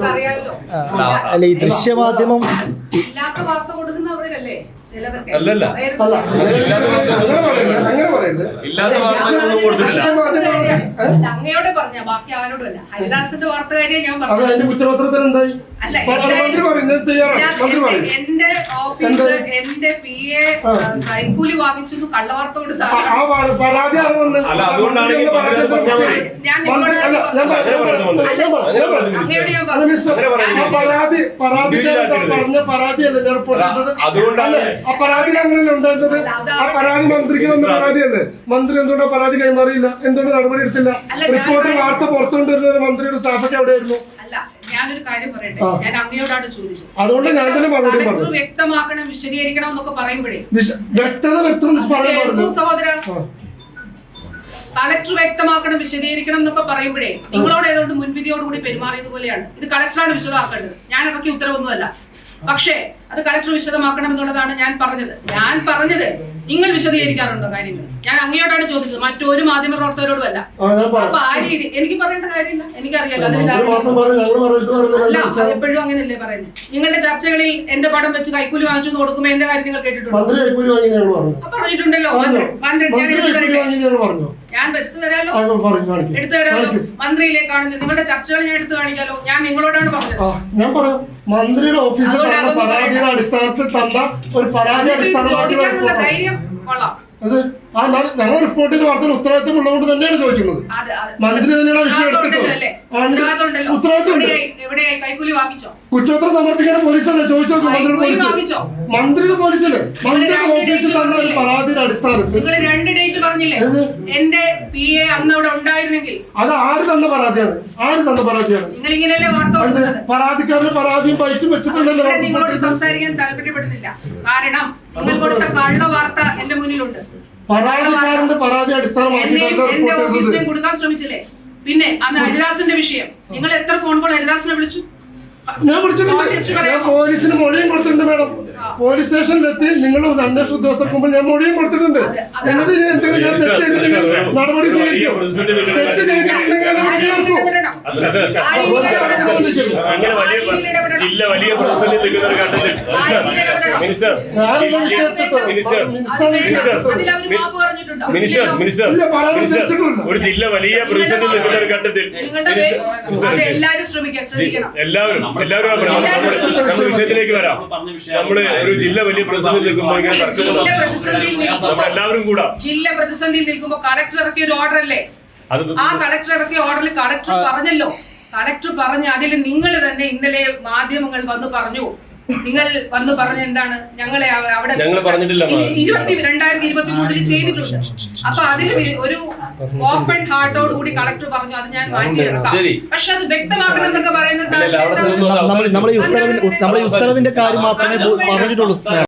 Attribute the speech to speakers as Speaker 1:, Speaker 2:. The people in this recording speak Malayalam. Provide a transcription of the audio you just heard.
Speaker 1: അല്ല ഈ ദൃശ്യമാധ്യമം
Speaker 2: ഇല്ലാത്ത വാർത്ത കൊടുക്കുന്നവരല്ലേ
Speaker 3: അല്ലല്ല
Speaker 4: അങ്ങനെ പറയരുത്.
Speaker 2: അങ്ങയോട് പറഞ്ഞ ബാക്കി ആരോടും അല്ല. ഹരിദാസിന്റെ വാർത്തകാരിയെ ഞാൻ പറഞ്ഞു.
Speaker 4: അതിന്റെ കുറ്റപത്രത്തിൽ എന്തായി?
Speaker 2: അല്ല, എന്റെ ഓഫീസ് എന്റെ PA കൈക്കൂലി വാങ്ങിച്ചു കള്ളവാർത്ത കൊടുത്ത
Speaker 4: പരാതി പരാതിയല്ലേ ഞാൻ റിപ്പോർട്ട് ചെയ്തത്. ആ പരാതിയിൽ അങ്ങനെയല്ലേ ഉണ്ടായിരുന്നത്? ആ പരാതി മന്ത്രിക്ക് തന്ന പരാതിയല്ലേ? മന്ത്രി എന്തുകൊണ്ടാ പരാതി കൈമാറിയില്ല? എന്തുകൊണ്ട് നടപടി എടുത്തില്ല? റിപ്പോർട്ട് വാർത്ത പുറത്തുകൊണ്ടിരുന്ന മന്ത്രിയുടെ സ്റ്റാഫൊക്കെ എവിടെയായിരുന്നു?
Speaker 2: ഞാനൊരു കാര്യം പറയട്ടെ, ഞാൻ അങ്ങയോടാണ് ചോദിച്ചത്.
Speaker 4: അതുകൊണ്ട് ഞാൻ തന്നെ മറുപടി പറഞ്ഞു.
Speaker 2: വ്യക്തമാക്കണം, വിശദീകരിക്കണം എന്നൊക്കെ പറയുമ്പോഴേ
Speaker 4: വ്യക്തത
Speaker 2: സഹോദര കളക്ടർ വ്യക്തമാക്കണം, വിശദീകരിക്കണം എന്നൊക്കെ പറയുമ്പോഴേ നിങ്ങളോട് ഏതുകൊണ്ട് മുൻവിധിയോടുകൂടി പെരുമാറിയത് പോലെയാണ്. ഇത് കളക്ടറാണ് വിശദമാക്കേണ്ടത്, ഞാൻ ഇറക്കിയ ഉത്തരവൊന്നുമല്ല. പക്ഷേ അത് കളക്ടർ വിശദമാക്കണം എന്നുള്ളതാണ് ഞാൻ പറഞ്ഞത്. നിങ്ങൾ വിശദീകരിക്കാറുണ്ടോ കാര്യങ്ങൾ? ഞാൻ അങ്ങയോടാണ് ചോദിച്ചത്, മറ്റൊരു മാധ്യമ പ്രവർത്തകരോടുമല്ല. അപ്പൊ ആ രീതി എനിക്ക് പറയേണ്ട കാര്യമില്ല, എനിക്കറിയാലോ. അല്ല, എപ്പോഴും അങ്ങനെയല്ലേ പറയുന്നത്? നിങ്ങളുടെ ചർച്ചകളിൽ എന്റെ പടം വെച്ച് കൈക്കൂലി വാങ്ങിച്ചു കൊടുക്കുമ്പോ എന്റെ കാര്യം നിങ്ങൾ കേട്ടിട്ടുണ്ടോ? പറഞ്ഞിട്ടുണ്ടല്ലോ. ഞാൻ എടുത്തു തരാലോ. മന്ത്രിയിലേക്കാണ് നിങ്ങളുടെ ചർച്ചകൾ ഞാൻ എടുത്തു കാണിക്കാലോ. ഞാൻ നിങ്ങളോടാണ് പറഞ്ഞത്.
Speaker 4: ഞാൻ പറയാം, മന്ത്രിയുടെ ഓഫീസിൽ പരാതിയുടെ അടിസ്ഥാനത്തിൽ തന്ന ഒരു പരാതി അടിസ്ഥാനമായിട്ടുള്ള
Speaker 2: ധൈര്യം കൊള്ളാം.
Speaker 4: അത് ഞങ്ങൾ റിപ്പോർട്ട് ചെയ്ത വാർത്തയിൽ ഉത്തരവാദിത്വം ഉള്ളതുകൊണ്ട് തന്നെയാണ് ചോദിക്കുന്നത്. മന്ത്രി തന്നെയാണ് വിഷയം എടുത്തിട്ടുള്ളത്. കുറ്റപത്രം സമർപ്പിക്കാൻ പോലീസല്ലേ ചോദിച്ചു നോക്കും. മന്ത്രിയുടെ പോലീസല്ലേ മന്ത്രിയുടെ ഓഫീസിൽ തന്ന ഒരു പരാതിയുടെ അടിസ്ഥാനത്തിൽ അത് ആര് തന്ന പരാതിയാണ്? പരാതിക്കാരന്റെ പരാതിയും പൈറ്റും വെച്ചിട്ടുണ്ടല്ലോ.
Speaker 2: സംസാരിക്കാൻ താല്പര്യപ്പെടുന്നില്ല, കാരണം നിങ്ങൾ കൊടുത്ത കള്ള വാർത്ത എന്റെ മുന്നിലുണ്ട്.
Speaker 4: പരാതിക്കാരന്റെ പരാതി അടിസ്ഥാനമാക്കി
Speaker 2: എന്റെ ഓഫീസിനെ കൊടുക്കാൻ ശ്രമിച്ചില്ലേ? പിന്നെ അന്ന് ഹരിദാസിന്റെ വിഷയം നിങ്ങൾ എത്ര ഫോൺ കോൾ ഹരിദാസിനെ വിളിച്ചു?
Speaker 4: ഞാൻ വിളിച്ചിട്ടുണ്ട്. ഞാൻ പോലീസിന് മൊഴിയും കൊടുത്തിട്ടുണ്ട് മാഡം. പോലീസ് സ്റ്റേഷനിലെത്തി നിങ്ങൾ അന്വേഷണ ഉദ്യോഗസ്ഥർക്ക് മുമ്പിൽ ഞാൻ മൊഴിയും കൊടുത്തിട്ടുണ്ട്. എന്നിട്ട് ഇനി എന്തെങ്കിലും ഞാൻ തെറ്റ് ചെയ്തിട്ടുണ്ടെങ്കിൽ നടപടി സ്വീകരിക്കും. തെറ്റ് ചെയ്തിട്ടുണ്ടെങ്കിൽ
Speaker 3: ഒരു ജില്ല വലിയ പ്രതിസന്ധി നിൽക്കുന്ന ഒരു ഘട്ടത്തിൽ എല്ലാവരും നമ്മുടെ വിഷയത്തിലേക്ക് വരാം. നമ്മള് ഒരു ജില്ല വലിയ പ്രതിസന്ധി നിൽക്കുമ്പോൾ എല്ലാവരും കൂടാ.
Speaker 2: ജില്ല പ്രതിസന്ധിയിൽ നിൽക്കുമ്പോൾ കളക്ടർ ഇറക്കിയ ഒരു ഓർഡർ അല്ലേ? ആ കളക്ടർ ഇറക്കിയ ഓർഡറിൽ കളക്ടർ പറഞ്ഞല്ലോ. കളക്ടർ പറഞ്ഞ അതിൽ നിങ്ങൾ തന്നെ ഇന്നലെ മാധ്യമങ്ങൾ വന്ന് പറഞ്ഞു. നിങ്ങൾ വന്ന് പറഞ്ഞ എന്താണ്? ഞങ്ങളെ അവിടെ 2023 ചെയ്തിട്ടുണ്ട്. അപ്പൊ അതിൽ ഒരു ഓപ്പൺ ഹാർട്ടോട് കൂടി കളക്ടർ പറഞ്ഞു അത് ഞാൻ മാറ്റിയെടുക്കാം. പക്ഷെ അത് വ്യക്തമാക്കണം എന്നൊക്കെ പറയുന്ന
Speaker 1: നമ്മളെ ഉത്തരവിന്റെ കാര്യം മാത്രമേ പറഞ്ഞിട്ടുള്ളൂ.